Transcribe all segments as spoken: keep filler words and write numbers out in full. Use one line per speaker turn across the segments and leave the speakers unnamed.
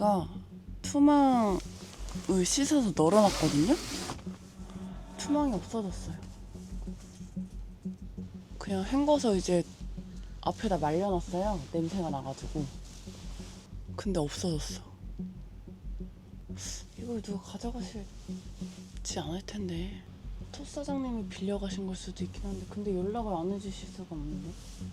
제가 투망을 씻어서 널어놨거든요? 투망이 없어졌어요. 그냥 헹궈서 이제 앞에다 말려놨어요. 냄새가 나가지고. 근데 없어졌어. 이걸 누가 가져가실지 않을 텐데. 첫 사장님이 빌려가신 걸 수도 있긴 한데, 근데 연락을 안 해주실 수가 없는데.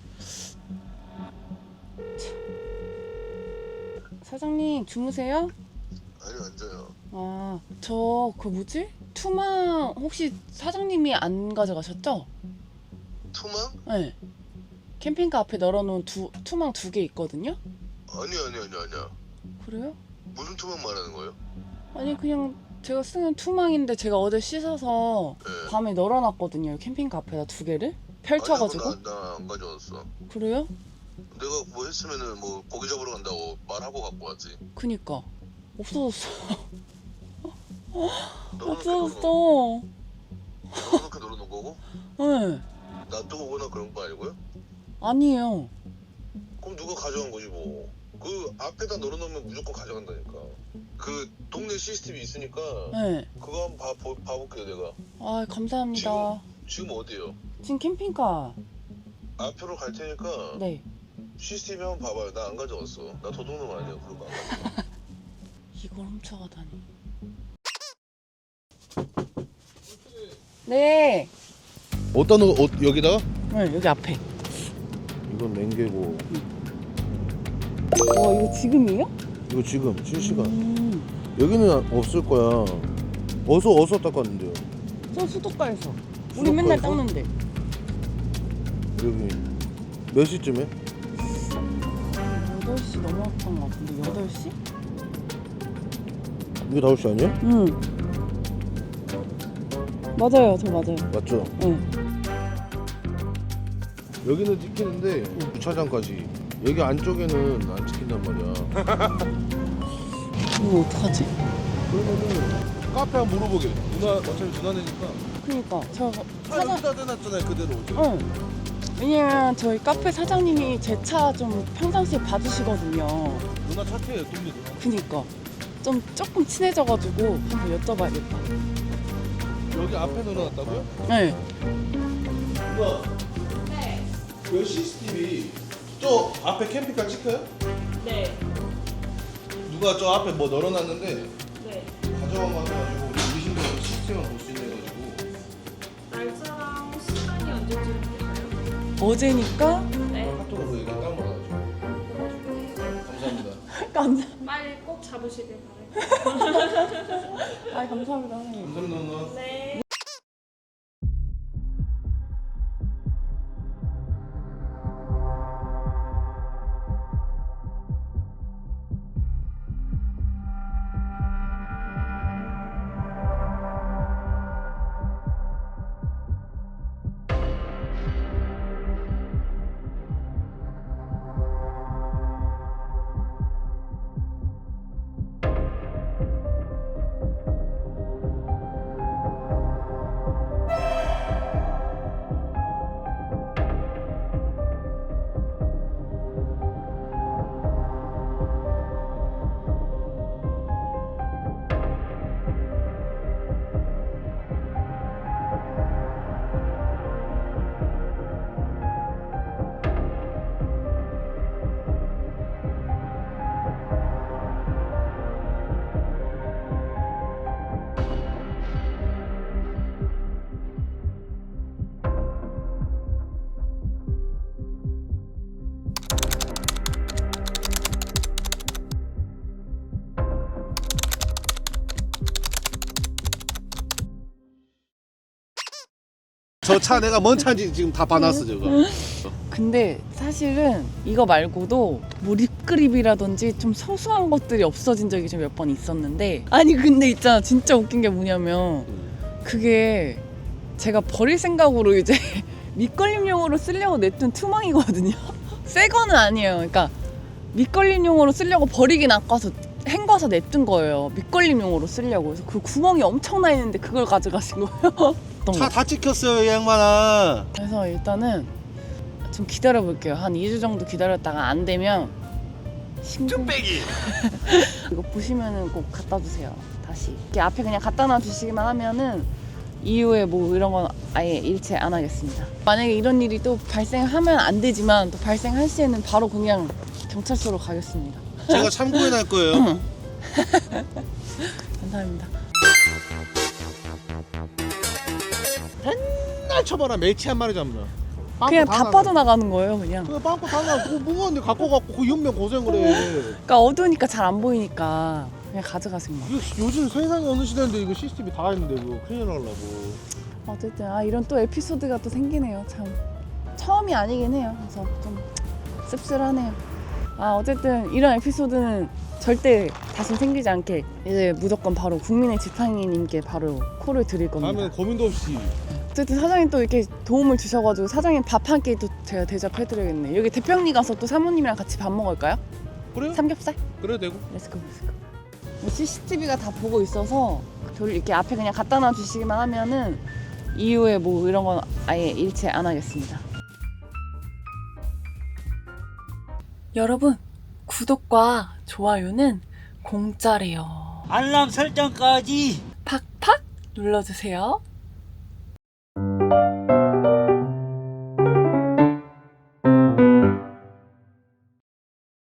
사장님 주무세요?
아니 앉아요.
아, 저 그 뭐지? 투망 혹시 사장님이 안 가져가셨죠?
투망?
네. 캠핑카 앞에 널어놓은 두, 투망 두 개 있거든요?
아니 아니 아니 아니야.
그래요?
무슨 투망 말하는 거예요?
아니 그냥 제가 쓰는 투망인데 제가 어제 씻어서
네.
밤에 널어놨거든요. 캠핑카 앞에다 두 개를 펼쳐가지고.
나안 가져왔어.
그래요?
내가 뭐 했으면은 뭐 고기 잡으러 간다고 말하고 갖고 왔지.
그니까 없어졌어.
널어놓게
없어졌어.
널어놓게 널어놓은 거고?
네.
놔두고 오거나 그런 거 아니고요?
아니에요.
그럼 누가 가져간 거지 뭐. 그 앞에다 널어놓으면 무조건 가져간다니까. 그 동네 시스템이 있으니까
네.
그거 한번 봐, 보, 봐볼게요 내가.
아 감사합니다.
지금 어디요?
지금 캠핑카.
앞으로 갈 테니까
네.
시스템 한번 봐봐요. 나 안 가져왔어. 나 도둑놈 아니야. 그런 거 안 가져와.
이걸 훔쳐가다니. 네.
어디다 넣어? 어, 여기다가?
네, 여기 앞에.
이건 맹개고
와, 이거 지금이에요?
이거 지금 실시간.
음.
여기는 없을 거야. 어서 어서 닦았는데요.
저 수도가에서. 우리
수도가에서?
맨날 닦는데.
여기 몇 시쯤에?
여덟 시 넘어갔던 것 같은데, 여덟 시?
이게 다섯 시 아니야?
응. 맞아요, 저 맞아요.
맞죠?
응.
여기는 찍히는데 주차장까지. 여기 안쪽에는 안 찍힌단 말이야.
이거 어떡하지?
그러면은 카페 한번 물어보게. 누나 어차피 누나네니까.
그니까, 저
차
사장,
여기다 대놨잖아요 그대로.
응. 왜냐면 저희 카페 사장님이 제 차 좀 평상시에 봐주시거든요.
누나 차 태요 동네 누나.
그니까. 좀 조금 친해져가지고 한번 여쭤봐야겠다.
여기 앞에 넣어놨다고요?
네.
누나. 네. 그 씨씨티비 저 앞에 캠핑카 찍혀요?
네.
누가 저 앞에 뭐 널어놨는데
네.
가져간 거 같아가지고 의심되는 시스템을 볼 수 있는 해가지고.
날짜랑 시간이 언제쯤 될까요?
어제니까
네.
카톡으로 얘기 딱 받아가지고. 감사합니다.
감사.
빨리 꼭 잡으시길 바랄게요.
아 감사합니다 선생님.
감사합니다 누나.
네.
저 차 내가 뭔 차인지 지금 다 봐놨어 저거.
근데 사실은 이거 말고도 뭐 립그립이라든지 좀 소소한 것들이 없어진 적이 좀 몇 번 있었는데, 아니 근데 있잖아, 진짜 웃긴 게 뭐냐면 그게 제가 버릴 생각으로 이제 밑걸림용으로 쓰려고 냈던 투망이거든요. 새 거는 아니에요. 그러니까 밑걸림용으로 쓰려고 버리긴 아까워서 헹궈서 냅둔 거예요. 밑걸림용으로 쓰려고. 그래서 그 구멍이 엄청 나 있는데 그걸 가져가신 거예요.
차 다 찍혔어요 이 양반아.
그래서 일단은 좀 기다려 볼게요. 한 이 주 정도 기다렸다가 안 되면 신고. 이거 보시면은 꼭 갖다 주세요. 다시 이렇게 앞에 그냥 갖다 놔 주시기만 하면은 이후에 뭐 이런 건 아예 일체 안 하겠습니다. 만약에 이런 일이 또 발생하면 안 되지만 또 발생할 시에는 바로 그냥 경찰서로 가겠습니다.
제가 참고해 날 거예요.
감사합니다.
맨날 쳐봐라 멸치 한 마리 잡나.
그냥 다 빠져나가는 거예요, 그냥.
그냥 빵꾸 다 나. 그거 무거운데 갖고 갖고 그 연명 고생을 해.
그러니까 어두우니까 잘 안 보이니까 그냥 가져가세요. 뭐.
이거 요즘 세상에 어느 시대인데 이거 씨씨티비 다 있는데 이거 큰일 나려고.
어쨌든 아 이런 또 에피소드가 또 생기네요. 참 처음이 아니긴 해요. 그래서 좀 씁쓸하네요. 아 어쨌든 이런 에피소드는 절대 다시 생기지 않게 이제 무조건 바로 국민의 지팡이님께 바로 콜을 드릴 겁니다.
다음에 고민도 없이.
어쨌든 사장님 또 이렇게 도움을 주셔가지고 사장님 밥 한 끼 또 제가 대접해드려야겠네. 여기 대평리 가서 또 사모님이랑 같이 밥 먹을까요?
그래요?
삼겹살?
그래도 되고.
렛츠고 렛츠고. 씨씨티비가 다 보고 있어서 별 이렇게 앞에 그냥 갖다 놔 주시기만 하면은 이후에 뭐 이런 건 아예 일체 안 하겠습니다. 여러분 구독과 좋아요는 공짜래요.
알람 설정까지
팍팍 눌러주세요.